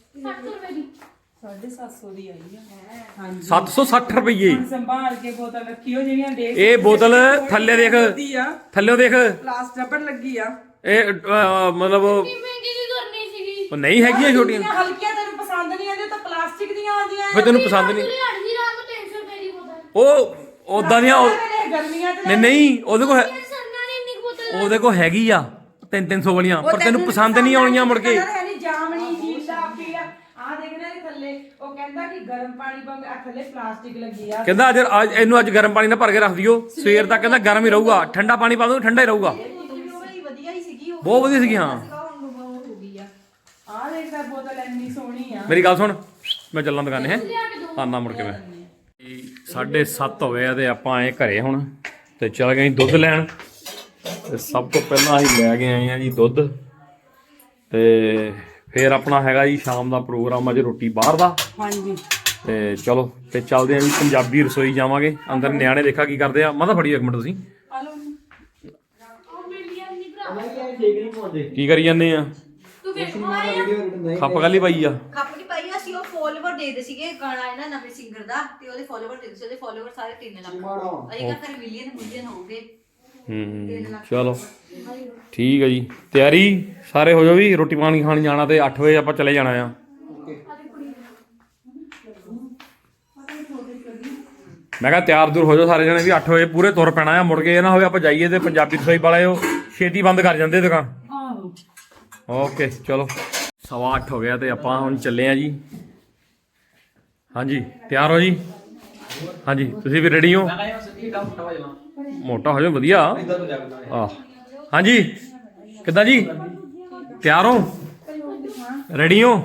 [SPEAKER 2] 750 ਦੀ ਆਈ ਆ।
[SPEAKER 1] 760 ਰੁਪਏ
[SPEAKER 2] ਸੰਭਾਲ ਕੇ ਬੋਤਲ ਰੱਖਿਓ ਜਿਹੜੀਆਂ ਦੇਖ।
[SPEAKER 1] ਇਹ ਬੋਤਲ ਥੱਲੇ ਦੇਖ, ਥੱਲੇ ਦੇਖ
[SPEAKER 2] ਪਲਾਸਟਿਕ ਰਬੜ ਲੱਗੀ ਆ।
[SPEAKER 1] ਇਹ ਮਤਲਬ
[SPEAKER 3] महंगी की करनी सीगी।
[SPEAKER 1] ਉਹ ਨਹੀਂ ਹੈਗੀਆਂ ਛੋਟੀਆਂ।
[SPEAKER 2] ਹਲਕੀਆਂ ਤੈਨੂੰ ਪਸੰਦ ਨਹੀਂ ਆਉਂਦੀਆਂ ਤਾਂ ਪਲਾਸਟਿਕ ਦੀਆਂ ਆਉਂਦੀਆਂ।
[SPEAKER 1] ਫਿਰ ਤੈਨੂੰ ਪਸੰਦ ਨਹੀਂ
[SPEAKER 3] हल्दी रात को 300 रुपए की बोतल।
[SPEAKER 1] ਉਹ ਉਦਾਂ ਦੀਆਂ
[SPEAKER 2] ਗਰਮੀਆਂ ਚ
[SPEAKER 1] ਨਹੀਂ ਉਹਦੇ ਕੋਲ
[SPEAKER 3] सरना ने इतनी बोतल
[SPEAKER 1] ਉਹਦੇ ਕੋਲ ਹੈਗੀ ਆ 300 ਵਾਲੀਆਂ, ਪਰ ਤੈਨੂੰ ਪਸੰਦ ਨਹੀਂ ਆਉਣੀਆਂ ਮੁੜ ਕੇ।
[SPEAKER 2] ਜਾਮਣੀ ਜੀਲਾ ਪੀਲਾ ਆ ਦੇਖਣਾ ਇਹ ਥੱਲੇ। ਉਹ ਕਹਿੰਦਾ ਕਿ ਗਰਮ ਪਾਣੀ ਪਾ ਕੇ ਥੱਲੇ ਪਲਾਸਟਿਕ ਲੱਗੀ ਆ।
[SPEAKER 1] ਕਹਿੰਦਾ ਅੱਜ ਇਹਨੂੰ ਅੱਜ ਗਰਮ ਪਾਣੀ ਨਾਲ ਭਰ ਕੇ ਰੱਖ ਦਿਓ, ਸਵੇਰ ਤੱਕ ਕਹਿੰਦਾ ਗਰਮ ਹੀ ਰਹੂਗਾ। ਠੰਡਾ ਪਾਣੀ ਪਾ ਦੋ ਠੰਡਾ ਹੀ ਰਹੂਗਾ। ਬਹੁਤ ਵਧੀਆ ਸੀਗੀ। ਹਾਂ
[SPEAKER 2] ਆ ਦੇਖਦਾ ਬੋਤਲ ਇੰਨੀ ਸੋਹਣੀ ਆ।
[SPEAKER 1] ਮੇਰੀ ਗੱਲ ਸੁਣ, ਮੈਂ ਚੱਲਾਂ ਦੁਕਾਨੇ ਹੈ ਆਨਾ ਮੁੜ ਕੇ। ਮੈਂ 7:30 ਹੋ ਗਏ ਆ ਤੇ ਆਪਾਂ ਆਏ ਘਰੇ ਹੁਣ ਤੇ ਚੱਲ ਗਏ ਦੁੱਧ ਲੈਣ। ਤੇ ਸਭ ਤੋਂ ਪਹਿਲਾਂ ਅਸੀਂ ਲੈ ਕੇ ਆਏ ਆ ਜੀ ਦੁੱਧ। ਤੇ ਫਿਰ ਆਪਣਾ ਹੈਗਾ ਜੀ ਸ਼ਾਮ ਦਾ ਪ੍ਰੋਗਰਾਮ ਅੱਜ ਰੋਟੀ ਬਾਹਰ ਦਾ।
[SPEAKER 2] ਹਾਂਜੀ
[SPEAKER 1] ਤੇ ਚਲੋ ਤੇ ਚੱਲਦੇ ਆ ਜੀ ਪੰਜਾਬੀ ਰਸੋਈ ਜਾਵਾਂਗੇ। ਅੰਦਰ ਨਿਆਣੇ ਦੇਖਾ ਕੀ ਕਰਦੇ ਆ। ਮਾਤਾ ਫੜੀ ਇੱਕ ਮਿੰਟ ਤੁਸੀਂ ਕੀ ਕਰੀ ਜਾਂਦੇ ਆ?
[SPEAKER 3] तू फिर
[SPEAKER 1] ਖੱਪ ਕਾਲੀ ਪਾਈ ਆ?
[SPEAKER 5] ਖੱਪ ਨਹੀਂ ਪਾਈ, ਅਸੀਂ ਉਹ ਦੇਖਦੇ ਸੀਗੇ ਗਾਣਾ ਹੈ ਨਾ ਨਵੇਂ ਸਿੰਗਰ ਦਾ ਤੇ ਉਹਦੇ ਫਾਲੋਵਰ ਦੇਖਦੇ ਸੀ, ਉਹਦੇ ਫਾਲੋਵਰ ਸਾਰੇ 3 ਲੱਖ ਅਜੇ ਤੱਕ ਮਿਲੀਅਨ ਹੋ ਗਏ।
[SPEAKER 1] ਚਲੋ ਠੀਕ ਹੈ ਜੀ, ਤਿਆਰੀ ਸਾਰੇ ਹੋ ਜਾਓ ਵੀ, ਰੋਟੀ ਪਾਣੀ ਖਾਣ ਜਾਣਾ ਤੇ 8 ਵਜੇ ਆਪਾਂ ਚਲੇ ਜਾਣਾ ਆ। ਮੈਂ ਕਿਹਾ ਤਿਆਰ ਦੂਰ ਹੋ ਜਾਓ ਸਾਰੇ ਜਣੇ ਵੀ 8 ਵਜੇ ਪੂਰੇ ਤੁਰ ਪੈਣਾ ਆ, ਮੁੜ ਕੇ ਇਹ ਨਾ ਹੋਵੇ ਆਪਾਂ ਜਾਈਏ ਤੇ ਪੰਜਾਬੀ ਰਸੋਈ ਵਾਲੇ ਉਹ ਛੇਤੀ ਬੰਦ ਕਰ ਜਾਂਦੇ ਦੁਕਾਨ। ਓਕੇ ਚਲੋ 8:15 ਹੋ ਗਿਆ ਤੇ ਆਪਾਂ ਹੁਣ ਚੱਲੇ ਆ ਜੀ। ਹਾਂਜੀ ਤਿਆਰ ਹੋ ਜੀ? ਹਾਂਜੀ ਤੁਸੀਂ ਵੀ ਰੈਡੀ ਹੋ? ਮੋਟਾ ਹੋ ਜਾ ਵਧੀਆ। ਆਹ ਹਾਂਜੀ ਕਿੱਦਾਂ ਜੀ, ਤਿਆਰ ਹੋ, ਰੈਡੀ ਹੋ?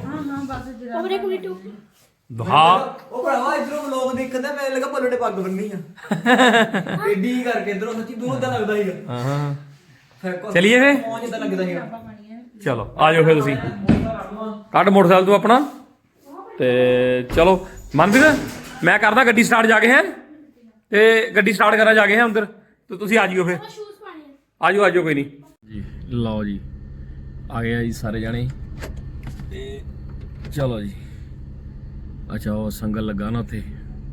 [SPEAKER 1] ਹਾਂ
[SPEAKER 4] ਉਹ ਭਰਾਵਾ ਇਧਰੋਂ ਵਲੌਗ ਦੇਖਦਾ ਮੈਂ ਲੱਗਾ ਪੱਲੋ ਨੇ ਪੱਗ ਬੰਨੀ ਆ ਏਡੀ ਕਰਕੇ ਇਧਰੋਂ ਸੱਚੀ ਦੂਰ ਦਾ ਲੱਗਦਾ ਸੀਗਾ।
[SPEAKER 1] ਹਾਂ ਚਲਿਏ ਫੇ,
[SPEAKER 4] ਪਹੁੰਚ ਜਿੱਦਾਂ ਲੱਗਦਾ ਸੀਗਾ।
[SPEAKER 1] ਚਲੋ ਆ ਜਾਓ ਫਿਰ ਤੁਸੀਂ, ਕੱਢ ਮੋਟਰਸਾਈਕਲ ਤੋਂ ਆਪਣਾ ਤੇ ਚਲੋ। ਮਨਪ੍ਰੀਤ ਮੈਂ ਕਰਦਾ ਗੱਡੀ ਸਟਾਰਟ ਜਾ ਕੇ ਹੈ, ਤੇ ਗੱਡੀ ਸਟਾਰਟ ਕਰਾਂ ਜਾ ਕੇ ਹੈ ਅੰਦਰ, ਤੇ ਤੁਸੀਂ ਆ ਜਿਓ ਫਿਰ। ਆ ਜਾਓ ਕੋਈ ਨਹੀਂ ਜੀ। ਲਓ ਜੀ ਆ ਗਏ ਆ ਜੀ ਸਾਰੇ ਜਾਣੇ ਤੇ ਚਲੋ ਜੀ। ਅੱਛਾ ਉਹ ਸੰਗਲ ਲੱਗਾ ਨਾ ਉੱਥੇ,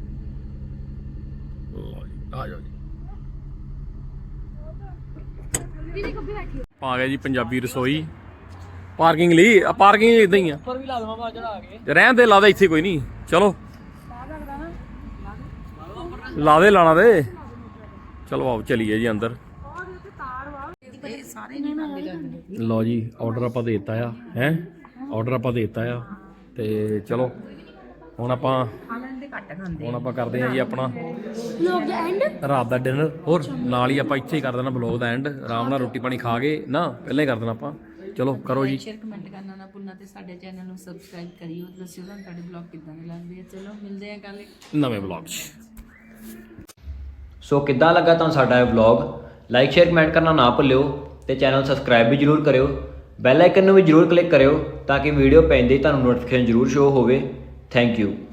[SPEAKER 1] ਲਓ ਜੀ ਆ ਜਾਓ ਜੀ। ਆ ਗਿਆ ਜੀ ਪੰਜਾਬੀ ਰਸੋਈ ਪਾਰਕਿੰਗ ਲਈ। ਪਾਰਕਿੰਗ ਇਦਾਂ ਹੀ ਆ,
[SPEAKER 4] ਉੱਪਰ ਵੀ ਲਾ ਦਵਾਂ ਬਾਅਦ ਚੜਾ ਕੇ।
[SPEAKER 1] ਰਹਿਣ ਦੇ, ਲਾ ਦੇ ਇੱਥੇ ਕੋਈ ਨਹੀਂ। ਚਲੋ ਲਾ ਦੇ, ਲਾਣਾ ਦੇ। ਚਲੋ ਆਓ ਚਲੀਏ ਜੀ ਅੰਦਰ। ਲਓ ਜੀ ਆਰਡਰ ਆਪਾਂ ਦੇ ਦਿੱਤਾ ਆ, ਹੈ ਆਰਡਰ ਆਪਾਂ ਦੇ ਦਿੱਤਾ ਆ ਤੇ ਚਲੋ ਹੁਣ ਆਪਾਂ ਕਰਦੇ ਆ ਜੀ ਆਪਣਾ ਰਾਤ ਦਾ ਡਿਨਰ। ਹੋਰ ਨਾਲ ਹੀ ਆਪਾਂ ਇੱਥੇ ਹੀ ਕਰ ਦੇਣਾ ਬਲੌਗ ਦਾ ਐਂਡ, ਆਰਾਮ ਨਾਲ ਰੋਟੀ ਪਾਣੀ ਖਾ ਕੇ ਨਾ ਪਹਿਲਾਂ ਹੀ ਕਰ ਦੇਣਾ ਆਪਾਂ। ਚਲੋ ਕਰੋ ਜੀ।
[SPEAKER 2] ਸ਼ੇਅਰ ਕਮੈਂਟ ਕਰਨਾ ਨਾ ਭੁੱਲਣਾ ਤੇ ਸਾਡੇ ਚੈਨਲ ਨੂੰ ਸਬਸਕ੍ਰਾਈਬ ਕਰਿਓ। ਦੱਸਿਓ ਤੁਹਾਨੂੰ ਸਾਡੇ ਬਲੌਗ ਕਿੱਦਾਂ ਦੇ ਲੱਗਦੇ ਆ। ਚਲੋ ਮਿਲਦੇ ਆ ਕੱਲ
[SPEAKER 1] ਨਵੇਂ ਬਲੌਗ 'ਚ।
[SPEAKER 6] ਸੋ ਕਿੱਦਾਂ ਲੱਗਾ ਤੁਹਾਨੂੰ ਸਾਡਾ ਇਹ ਵਲੌਗ? ਲਾਈਕ ਸ਼ੇਅਰ ਕਮੈਂਟ ਕਰਨਾ ਨਾ ਭੁੱਲਿਓ ਤੇ ਚੈਨਲ ਸਬਸਕ੍ਰਾਈਬ ਵੀ ਜਰੂਰ ਕਰਿਓ। ਬੈਲ ਆਈਕਨ ਨੂੰ ਵੀ ਜਰੂਰ ਕਲਿੱਕ ਕਰਿਓ ਤਾਂ ਕਿ ਵੀਡੀਓ ਪੈਂਦੇ ਹੀ ਤੁਹਾਨੂੰ ਨੋਟੀਫਿਕੇਸ਼ਨ ਜਰੂਰ ਸ਼ੋ ਹੋਵੇ। Thank you.